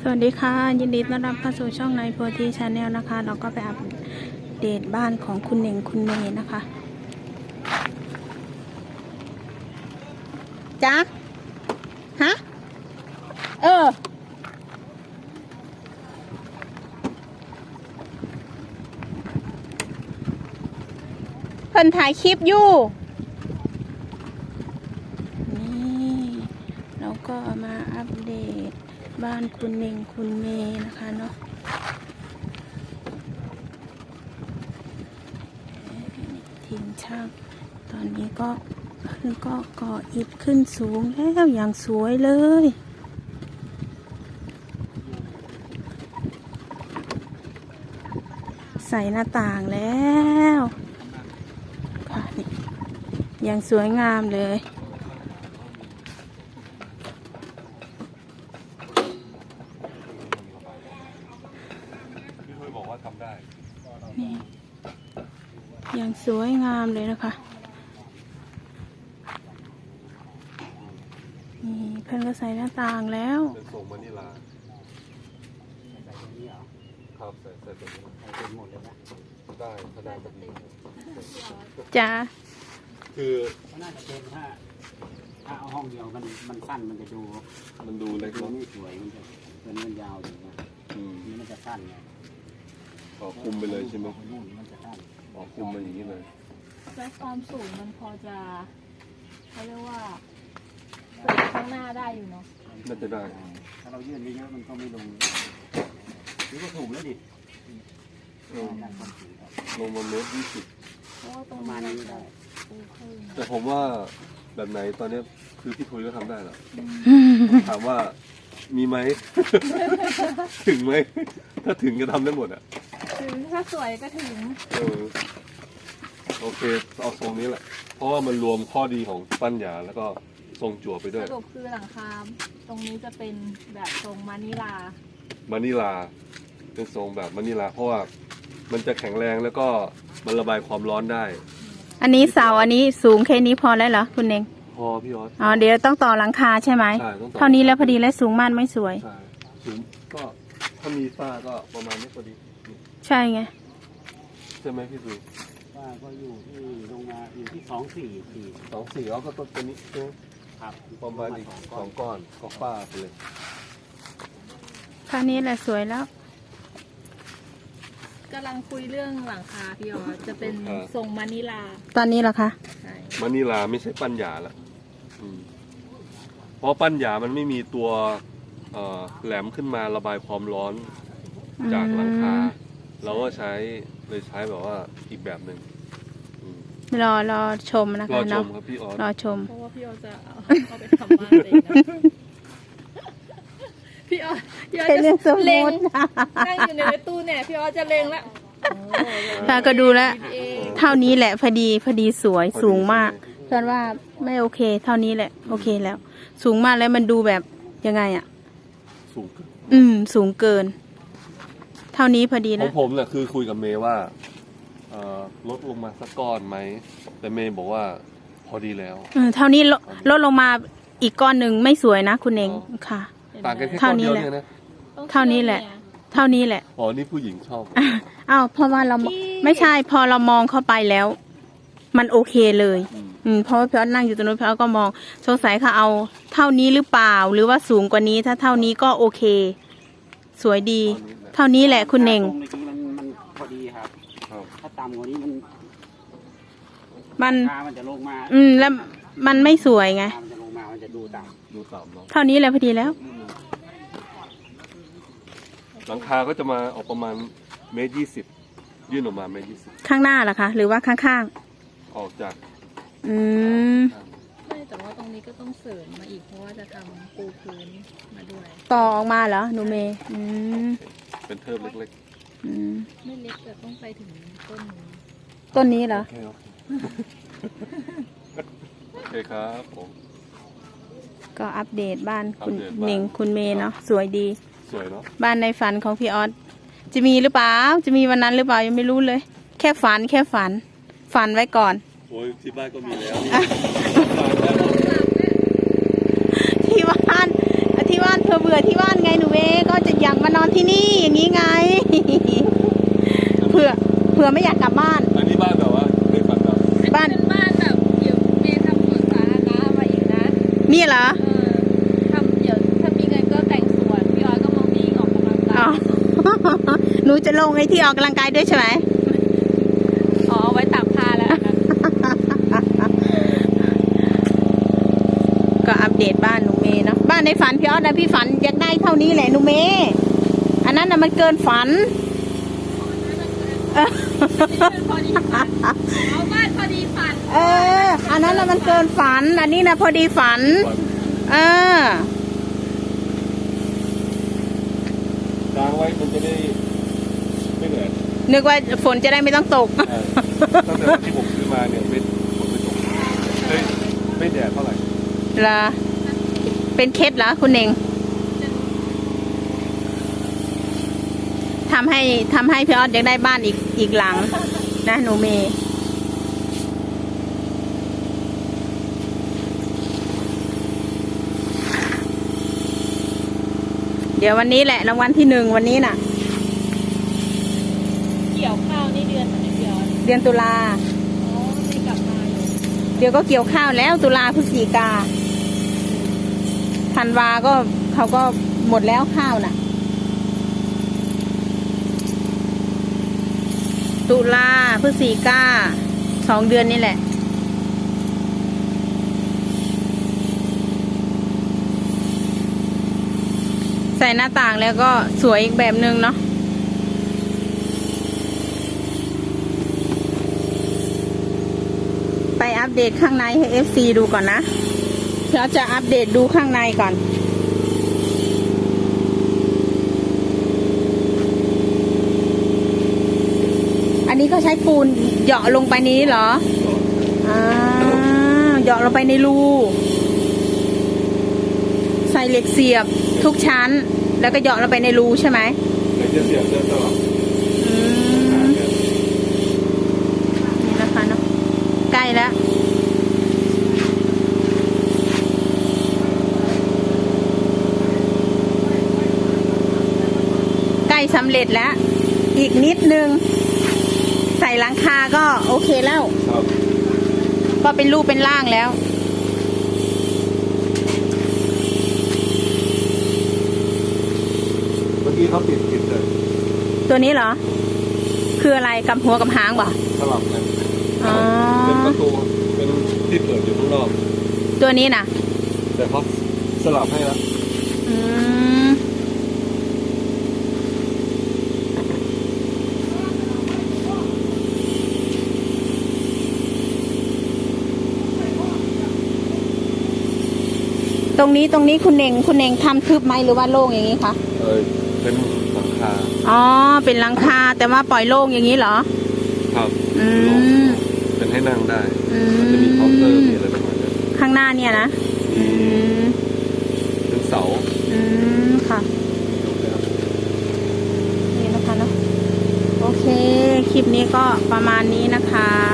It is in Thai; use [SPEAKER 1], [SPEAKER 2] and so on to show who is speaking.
[SPEAKER 1] สวัสดีค่ะยินดีต้อนรับเข้าสู่ช่องในโพธิชาแนลนะคะเราก็ไปอัปเดตบ้านของคุณเน่งคุณเมย์นะคะจ๊ะฮะเพิ่นถ่ายคลิปอยู่นี่เราก็มาอัปเดตบ้านคุณเน่งคุณเมย์นะคะเนาะทีมช่างตอนนี้ก็ก่ออิฐขึ้นสูงแล้วอย่างสวยเลยใส่หน้าต่างแล้วค่ะนี่อย่างสวยงามเลยนี่อย่างสวยงามเลยนะคะนี่เพิ่นก็ใส่หน้าต่างแล้ว
[SPEAKER 2] เป็นทรงมานิลาครับใส่ตัวนี้ใส่หมดเลยนะได้ขนาดแบบนี้
[SPEAKER 1] จ้า
[SPEAKER 2] คือ
[SPEAKER 3] น่าจะเป็นถ้าเอาห้องเดียวมันสั้นมันจะดู
[SPEAKER 2] เล็ก
[SPEAKER 3] ไม่สวยมันจะเป็นยาวอยู่นะนี่มันจะสั้นไง
[SPEAKER 2] คุมไปเลยใช่ไหม
[SPEAKER 3] มันจะสั้น
[SPEAKER 2] คุมมาอย่างนี้เลย
[SPEAKER 4] และความสูงมันพอจะเขาเรียกว่าข้างหน้าได้อยู่เนาะ
[SPEAKER 2] น่าจะได้
[SPEAKER 3] ถ้าเรายื่นเยอะมันก็ไม่ลงหรือว่าถูกแล้วดิ
[SPEAKER 2] ลงมาเมตร20
[SPEAKER 3] ประมาณนี้ได้
[SPEAKER 2] แต่ผมว่าแบบไหนตอนนี้คือพี่ทุยก็ทำได้แล้วถามว่ามีไหม ถึงไหมถ้าถึงก็ทำได้หมดอ่ะ
[SPEAKER 4] ถึงถ้าสวยก็ถึง
[SPEAKER 2] โอเคเอาทรงนี้แหละเพราะว่ามันรวมข้อดีของปั้นหยาแล้วก็ทรงจั่วไปด้วย
[SPEAKER 4] สรุปคือหลังคาตรงนี้จะเป็นแบบทรงมานิลา
[SPEAKER 2] เป็นทรงแบบมานิลาเพราะว่ามันจะแข็งแรงแล้วก็มันระบายความร้อนได้
[SPEAKER 1] อันนี้เสาอันนี้สูงแค่นี้พอแล้วเหรอคุณเน่ง
[SPEAKER 2] พอพี่ออส
[SPEAKER 1] เดี๋ยวต้องต่อหลังคาใช่ไหม
[SPEAKER 2] ใช่ต้องต่อ
[SPEAKER 1] เท่านี้แล้วพอดีและสูงมากไม่สวย
[SPEAKER 2] ใช่สูงก็ถ้ามีฝ้าก็ประมาณนี้พอดี
[SPEAKER 1] ใช่ไง
[SPEAKER 2] ใช่ไหมพี่สุ
[SPEAKER 3] ฝ้าก็อยู่ที่ลงมาอยู่ที่
[SPEAKER 2] 24แล้วก็ต้นตัวนี้ใช่ไหม
[SPEAKER 3] ครับ
[SPEAKER 2] ประมาณอีก2 ก้อนก็ฝ้าไปเลย
[SPEAKER 1] แค่นี้แหละสวยแล้ว
[SPEAKER 4] กำลังคุยเรื่องหลังคาพี่อ๋อจะเป็นทรงมานิลา
[SPEAKER 1] ตอนนี้เหรอคะ
[SPEAKER 4] ใช่
[SPEAKER 2] มานิลาไม่ใช่ปั้นหยาละเพราะปั้นหยามันไม่มีตัวแหลมขึ้นมาระบายความร้อนจากหลังคาเราก็ใช้แบบว่าอีกแบบหนึ่ง
[SPEAKER 1] รอชมนะคะ
[SPEAKER 2] เนาะรอชมครับพี่ออส
[SPEAKER 1] รอชม
[SPEAKER 4] เพราะว่าพี่อ๋อจะเอาไปทำบ้านเองนะพี่อ๋อจะเล็งนั่งอยู่ในตู้เนี่ยพี่อ๋อจะเล็งละ
[SPEAKER 1] ตาก็ดูแล้วเท่านี้แหละพอดีสวยสูงมากเพื่อนว่าไม่โอเคเท่านี้แหละโอเคแล้วสูงมากแล้วมันดูแบบยังไงอ่ะสูงเกินเท่านี้พอดีแล้ว
[SPEAKER 2] ผมเนี่ยคือคุยกับเมย์ว่าลดลงมาสักก้อนไหมแต่เมย์บอกว่าพอดีแล้ว
[SPEAKER 1] เท่านี้ลดลงมาอีกก้อนหนึ่งไม่สวยนะคุณเองค่ะ
[SPEAKER 2] ต่างกันแค่ก้อนเดียวเนี่ยนะ
[SPEAKER 1] เท่านี้แหละ
[SPEAKER 2] อ๋อนี่ผู้หญิงชอบ
[SPEAKER 1] เพราะว่าเราไม่ใช่พอเรามองเข้าไปแล้วมันโอเคเลยเพราะว่าพี่อ๊อตนั่งอยู่ตรงนู้นพี่อ๊อตก็มองสงสัยเขาเอาเท่านี้หรือเปล่าหรือว่าสูงกว่านี้ถ้าเท่านี้ก็โอเคสวยดีเท่านี้แหละคุณเน่ง
[SPEAKER 3] มันพอดีครับถ้าต่ำกว่านี้มันจะลงมา
[SPEAKER 1] แล้วมันไม่สวยไง
[SPEAKER 3] มันจะลงมามันจะดูต่
[SPEAKER 2] ำ
[SPEAKER 1] เท่านี้แหละพอดีแล้ว
[SPEAKER 2] หลังคาก็จะมาออกประมาณ1.20 ยื่นออกมา1.20
[SPEAKER 1] ข้างหน้าเหรอคะหรือว่าข้าง
[SPEAKER 2] ออกจาก
[SPEAKER 4] ไม่แต่ว่าตรงนี้ก็ต้องเสริมมาอีกเพราะว่าจะทำปูพื้นมาด้วย
[SPEAKER 1] ต่อออกมาเหรอหนูเมย์
[SPEAKER 2] เป็นเทิบเล็ก
[SPEAKER 4] ๆไม่เล็กแต่ต้องไปถึง
[SPEAKER 1] ต้นนี้เหรอ
[SPEAKER 2] โอเคครับผม
[SPEAKER 1] ก็อัปเดตบ้านคุณเน่งคุณเมย์เนาะสวยดี
[SPEAKER 2] สวยเนาะ
[SPEAKER 1] บ้านในฝันของพี่ออสจะมีหรือเปล่าจะมีวันนั้นหรือเปล่ายังไม่รู้เลยแค่ฝันไว้ก่อน
[SPEAKER 2] โอ้ยที่บ้านก็มีแล้ว
[SPEAKER 1] ที่บ้านเธอเบื่อที่บ้านไงหนูเมย์ก็จะอยากมานอนที่นี่อย่างนี้ไง เผื่อไม่อยากกลับบ้าน
[SPEAKER 2] อันนี้บ้านแบบว่าเคยฝันแบบ
[SPEAKER 1] บ้าน
[SPEAKER 4] เป็นบ้านแบบเดี๋ยวเมย์ทำสวนสาธารณะมาอีกนะ
[SPEAKER 1] นี่เหรอ
[SPEAKER 4] ทำเดี๋ยวถ้ามีเงินก็แต่งสวนพี่ออยก็มาวิ่งออกกำลัง
[SPEAKER 1] อ๋อ
[SPEAKER 4] กาย
[SPEAKER 1] หนูจะลงไอ้ที่ออกกำลังกายด้วยใช่ไหม
[SPEAKER 4] อ๋อเอาไว้ตากผ้าแล้วอันนั้น
[SPEAKER 1] ก็อัปเดตบ้านหนูเมย์เนาะบ้านในฝันพี่ออสนะพี่ฝันอยากได้เท่านี้แหละหนูเมย์อันนั้นน่ะมันเกินฝัน
[SPEAKER 4] พอดีฝันเอาบ้านพอดีฝัน
[SPEAKER 1] อันนั้นน่ะมันเกินฝัน อันนี้นะพอดีฝัน เออ
[SPEAKER 2] กางไว้มันจะได้ไม่เหนื่อย
[SPEAKER 1] นึกว่าฝนจะได้ไม่ต้องตก
[SPEAKER 2] ตั้งแต่วันที่ผมซื้อมาเนี่ยไม่ฝนไม่ตกไม่แดดเท่าไหร่
[SPEAKER 1] เหรอ เป็นเคล็ดเหรอคุณเองทำให้พี่ออสอยากได้บ้านอีกหลัง นะหนูเมย์เดี๋ยววันนี้แหละรางวัลที่ 1วันนี้น่ะ
[SPEAKER 4] เกี่ยวข้าวนี่เดือนไหนพี่ออย
[SPEAKER 1] เดือนตุลา
[SPEAKER 4] อ๋อไม่กลับมาอยู่
[SPEAKER 1] เดี๋ยวก็เกี่ยวข้าวแล้วตุลาพฤศจิกาธันวาก็เขาก็หมดแล้วข้าวน่ะ ตุลาพฤศจิกา2 เดือนนี่แหละ ใส่หน้าต่างแล้วก็สวยอีกแบบนึงเนาะไปอัปเดตข้างในให้ FC ดูก่อนนะเราจะอัปเดตดูข้างในก่อน อันนี้ก็ใช้ปูนเหยาะลงไปนี้เหรอเหยาะลงไปในรูใส่เหล็กเสียบทุกชั้น แล้วก็เหยาะลงไปในรูใช่ไหม
[SPEAKER 2] ไอ้เสียบเดินตลอด
[SPEAKER 1] นี่นะคะเนาะใกล้แล้วใกล้สำเร็จแล้ว อีกนิดนึง ใส่หลังคาก็โอเคแล้ว
[SPEAKER 2] ครับ
[SPEAKER 1] ก็เป็นรูปเป็นร่างแล้ว
[SPEAKER 2] เมื่อกี้เขาติดเลย
[SPEAKER 1] ตัวนี้เหรอ คืออะไรกับหัวกับหางบ่
[SPEAKER 2] สลับกัน
[SPEAKER 1] อ๋อ
[SPEAKER 2] เป็นประตูเป็นที่เปิดอยู่ข้างนอก
[SPEAKER 1] ตัวนี้นะ
[SPEAKER 2] แต่เขาสลับให้แล้ว
[SPEAKER 1] อืมตรงนี้คุณเน่งทำทึบไหมหรือว่าโล่งอย่างนี้คะ
[SPEAKER 2] เป็นหลังคา
[SPEAKER 1] อ๋อ เป็นหลังคาแต่ว่าปล่อยโล่งอย่างนี้เหรอ
[SPEAKER 2] ครับ
[SPEAKER 1] อืม
[SPEAKER 2] เป็นให้นั่งได้
[SPEAKER 1] อื
[SPEAKER 2] มันจะมีเคาน์เตอร์มีอะไรประมาณนั้น
[SPEAKER 1] ข้างหน้าเนี่ยนะ อืม
[SPEAKER 2] เป็นเสา
[SPEAKER 1] อืม ค่ะ นี่นะคะเนาะ โอเค คลิปนี้ก็ประมาณนี้นะคะ